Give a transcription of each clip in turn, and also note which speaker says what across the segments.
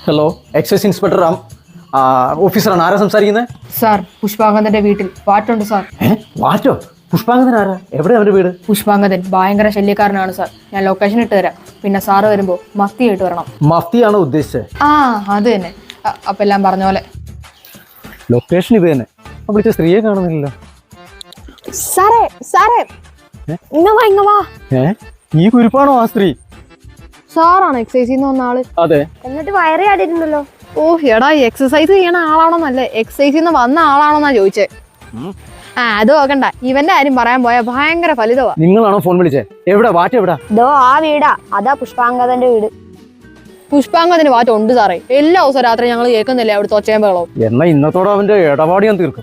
Speaker 1: Hello, excise inspector ഓഫീസറാണ്. ആരാ സംസാരിക്കുന്നത്?
Speaker 2: സാർ, പുഷ്പാങ്കദന്റെ വീട്ടിൽ വാറ്റുണ്ട് സാർ.
Speaker 1: വാറ്റോ? പുഷ്പാങ്കദൻ ആരാ? എവിടെ അവന്റെ വീട്?
Speaker 2: പുഷ്പാങ്കദൻ ഭയങ്കര ശല്യക്കാരനാണ് സാർ. ഞാൻ ലൊക്കേഷൻ ഇട്ട് തരാം. പിന്നെ സാറ് വരുമ്പോ മഫ്തി ആയിട്ട് വരണം.
Speaker 1: മഫ്തിയാണോ ഉദ്ദേശിച്ചത്?
Speaker 2: അത് തന്നെ. അപ്പൊ എല്ലാം പറഞ്ഞ പോലെ.
Speaker 1: ലൊക്കേഷൻ ഇത് തന്നെ. വിളിച്ച സ്ത്രീയെ കാണുന്നില്ലല്ലോ.
Speaker 3: സാറേ സാറേ ഇങ്ങ വാ.
Speaker 1: ഈ കുരിപ്പാണോ ആ സ്ത്രീ?
Speaker 2: സാറാണ് എക്സസൈസ് ചെയ്യുന്ന വന്ന ആള്.
Speaker 1: അതെ.
Speaker 3: എന്നിട്ട് വയറ് ചാടിയിട്ടുണ്ടല്ലോ.
Speaker 2: ഓ എടാ, എക്സസൈസ് ചെയ്യണ ആളാണോന്നല്ലേ, എക്സസൈസ് വന്ന ആളാണോന്നാ ചോദിച്ചേ. അത് നോക്കണ്ട, ഇവന്റെ കാര്യം പറയാൻ പോയാ ഭയങ്കര ഫലിതവാ.
Speaker 1: നിങ്ങളാണോ ഫോൺ വിളിച്ചേ? എവിടെ വാറ്റ്? എവിടാ?
Speaker 3: ദോ ആ വീടാ, അതാ പുഷ്പാങ്കദന്റെ വീട്.
Speaker 2: പുഷ്പാങ്കദന് വാറ്റ് ഉണ്ട് സാറേ. എല്ലാ ദിവസവും രാത്രി ഞങ്ങൾ കേൾക്കുന്നില്ലേ അവിടുത്തെ ഒച്ചയും ബഹളവും.
Speaker 1: എന്നാ ഇന്നത്തോടെ അവന്റെ ഇടപാട് ഞാൻ തീർക്കും.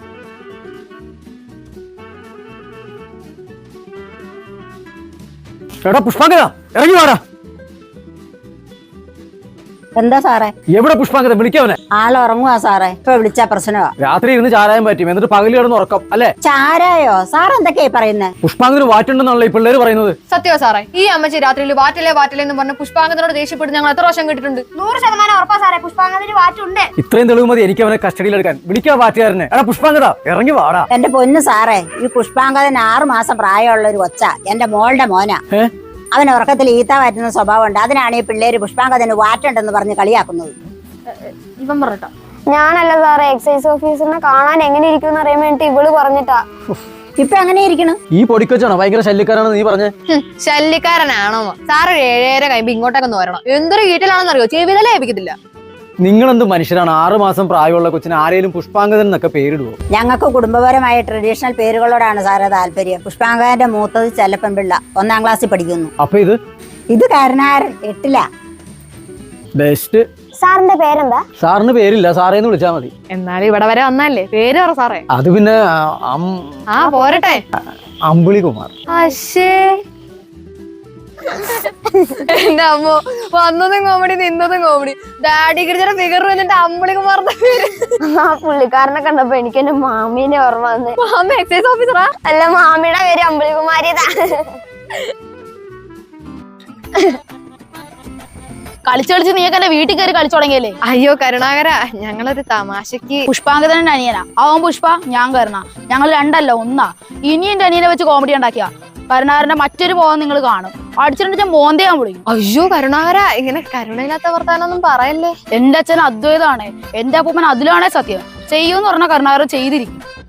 Speaker 1: എടാ പുഷ്പാങ്കദ, ഇറങ്ങി വാടാ.
Speaker 3: എന്താ സാറേ?
Speaker 1: എവിടെ പുഷ്പാങ്കദ? വിളിക്കവനെ.
Speaker 3: ആള് ഉറങ്ങുവാ സാറേ. ഇപ്പൊ വിളിച്ച പ്രശ്നമാ.
Speaker 1: രാത്രി ഇരുന്ന് ചാരായം പറ്റും, എന്നിട്ട് പകല് കിടന്ന് ഉറക്കം അല്ലേ?
Speaker 3: ചാരായോ? സാർ എന്തൊക്കെയാ പറയുന്നത്?
Speaker 1: പുഷ്പാങ്കദന് വാറ്റുണ്ടെന്നാണല്ലോ ഈ പിള്ളേര് പറയുന്നത്.
Speaker 2: സത്യവാ സാറേ. ഈ അമ്മച്ചി രാത്രിയിൽ വാറ്റില്ലേ എന്ന് പറഞ്ഞ പുഷ്പാങ്കദനോട് ദേഷ്യപ്പെട്ട് ഞങ്ങൾ എത്ര പ്രാവശ്യം കേട്ടിട്ടുണ്ട്.
Speaker 3: 100% ഉറപ്പാ സാറേ, പുഷ്പാങ്കദന് വാറ്റുണ്ട്.
Speaker 1: ഇത്രയും തെളിവ് മതി എനിക്ക് അവനെ കസ്റ്റഡിയിലെടുക്കാൻ. വിളിക്കാ വാറ്റുകാരനെ. എടാ പുഷ്പാങ്കദ, ഇറങ്ങി വാടാ.
Speaker 3: എന്റെ പൊന്നു സാറേ, ഈ പുഷ്പാങ്കദന് 6 മാസം പ്രായമുള്ള ഒരു കൊച്ച, എന്റെ മോളുടെ മോനാ. അവൻ ഉറക്കത്തിൽ ഈത്ത വാറ്റുന്ന സ്വഭാവമുണ്ട്. അതിനാണ് ഈ പിള്ളേര് പുഷ്പാങ്കദന് വാറ്റുണ്ടെന്ന് പറഞ്ഞ് കളിയാക്കുന്നത്.
Speaker 2: ഇവൻ പറഞ്ഞോ.
Speaker 4: ഞാനല്ല സാറേ, എക്സൈസ് ഓഫീസറിനെ കാണാൻ എങ്ങനെ ഇരിക്കും അറിയാൻ വേണ്ടി ഇവള് പറഞ്ഞിട്ടാ.
Speaker 3: ഇപ്പൊ എങ്ങനെ ഇരിക്കണം?
Speaker 1: ഈ പൊടിക്കൊച്ചാണോ ഭയങ്കര ശല്യക്കാരാണെന്ന് നീ പറഞ്ഞേ?
Speaker 2: ശല്യക്കാരനാണോ? സാറ് 7:30 കഴിയുമ്പോ ഇങ്ങോട്ടൊക്കെ വരണം. എന്തൊരു വീട്ടിലാണെന്നറിയോ, ചെവിതലേ ഏൽപ്പിക്കത്തില്ല.
Speaker 1: നിങ്ങളെന്ത് മനുഷ്യരാണ്? 6 മാസം പ്രായമുള്ള കൊച്ചിന് ആരെയും പുഷ്പാങ്കദൻ എന്നൊക്കെ പേരിടുവോ?
Speaker 3: ഞങ്ങൾക്ക് കുടുംബപരമായ ട്രഡീഷണൽ പേരുകളോടാണ് സാറേ താല്പര്യം. പുഷ്പാങ്കദന്റെ മൂത്തത് ചെല്ലപ്പൻപിള്ള, 1ാം ക്ലാസ്സിൽ പഠിക്കുന്നു.
Speaker 1: അപ്പൊ
Speaker 3: ഇത് കാരണാരൻ 8ലാ.
Speaker 1: ബെസ്റ്റ്.
Speaker 4: സാറിന്റെ പേരെന്താ?
Speaker 1: സാറിന് പേരില്ല, സാറേന്ന് വിളിച്ചാ മതി.
Speaker 2: എന്നാലും ഇവിടെ വരെ വന്നല്ലേ, പേര് പറ സാറേ.
Speaker 1: അത് പിന്നെ
Speaker 2: പോരട്ടെ.
Speaker 1: അമ്പിളി കുമാർ.
Speaker 2: എന്റെ അമ്മ, വന്നതും കോമഡി നിന്നതും കോമഡി. ഡാഡി ഗിരിജയുടെ ഫിഗർ എന്നിട്ട് അമ്പിളി കുമാറിന്റെ പേര്.
Speaker 4: ആ പുള്ളിക്കാരനെ കണ്ടപ്പോ എനിക്ക് എന്റെ മാമീനെ ഓർമ്മ വന്ന്.
Speaker 2: മാമ എക്സൈസ് ഓഫീസറാ?
Speaker 4: അല്ല, മാമിയുടെ പേര് അമ്പിളികുമാരിയതാ.
Speaker 5: കളിച്ച് നീയൊക്കെ എന്റെ വീട്ടിൽ കയറി കളിച്ചു തുടങ്ങിയല്ലേ?
Speaker 2: അയ്യോ കരുണാകര, ഞങ്ങളൊരു തമാശക്ക്.
Speaker 5: പുഷ്പാങ്കദന്റെ അനിയനാ അവൻ. പുഷ്പ, ഞാൻ കരുണ. ഞങ്ങൾ 2 ഒന്നാ. ഇനി എന്റെ അനിയനെ വെച്ച് കോമഡി ഉണ്ടാക്കിയ കരുണാകരന്റെ മറ്റൊരു മോഹം നിങ്ങൾ കാണും. അടിച്ചിട്ട് മോന്തേ ഞാൻ വിളിക്കും.
Speaker 2: അയ്യോ കരുണാകര, ഇങ്ങനെ കരുണയില്ലാത്ത വർത്താനൊന്നും പറയല്ലേ.
Speaker 5: എന്റെ അച്ഛൻ അദ്വൈതമാണ്, എന്റെ അപ്പൂപ്പൻ അതിലാണേ സത്യം. ചെയ്യൂന്ന് പറഞ്ഞ കരുണാകരൻ ചെയ്തിരിക്കും.